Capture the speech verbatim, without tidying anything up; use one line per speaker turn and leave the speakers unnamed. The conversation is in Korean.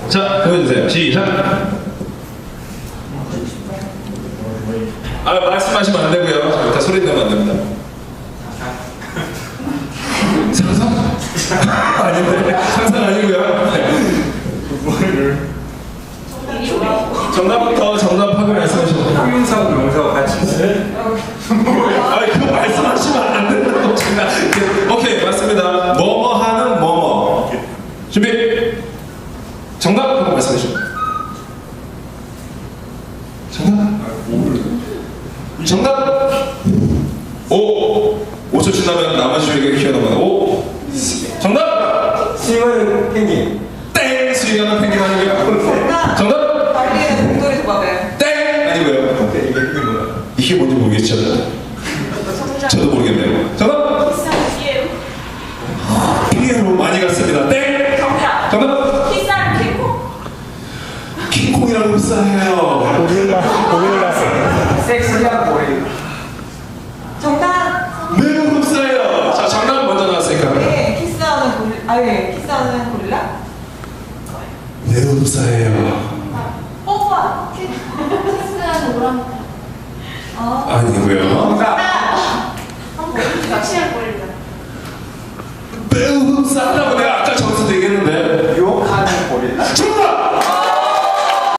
자, 보여주세요. 시작. 아, 말씀하시면 안 되고요. 자, 일단 소리 내면 안 됩니다. 상상? 아닌데. 상상 아니고요. 네. 정답부터 정답하고 말씀하시면 돼요.
형용사하고 명사하고 같이 있어요?
아, 그거 말씀하시면 안 된다고 제가. 오케이, 맞습니다. 뭐뭐 하는 뭐뭐. 준비. 정답 한번 말씀해 주시죠. 정답. 정답. 오. 오 초 지나면 나머지에게 휘어넘어가. 오. 정답.
스윙하는 펭귄.
땡. 스윙하는 펭귄 아니고요. 정답.
달리는 공돌이 도마뱀.
땡. 아니고요.
이게 그게 뭐야?
이게 뭔지 모르겠죠. 저도 모르겠네요. 정답.
비싼 피에로.
피에로 많이 갔습니다. 땡.
정답.
정답.
비싼 킹콩.
킹콩이라고 흡사해요.
고릴라, 고릴라.
섹시한 고릴라.
정답.
매우 흡사해요. 자, 정답 먼저 나왔으니까.
네, 키스하는 고릴라. 아, 예, 키스하는 고릴라.
매우 흡사해요.
뽀뽀.
키스하는 오랑우탄.
어.
아니고요.
정답.
섹시한 고릴라.
매우 흡사하다고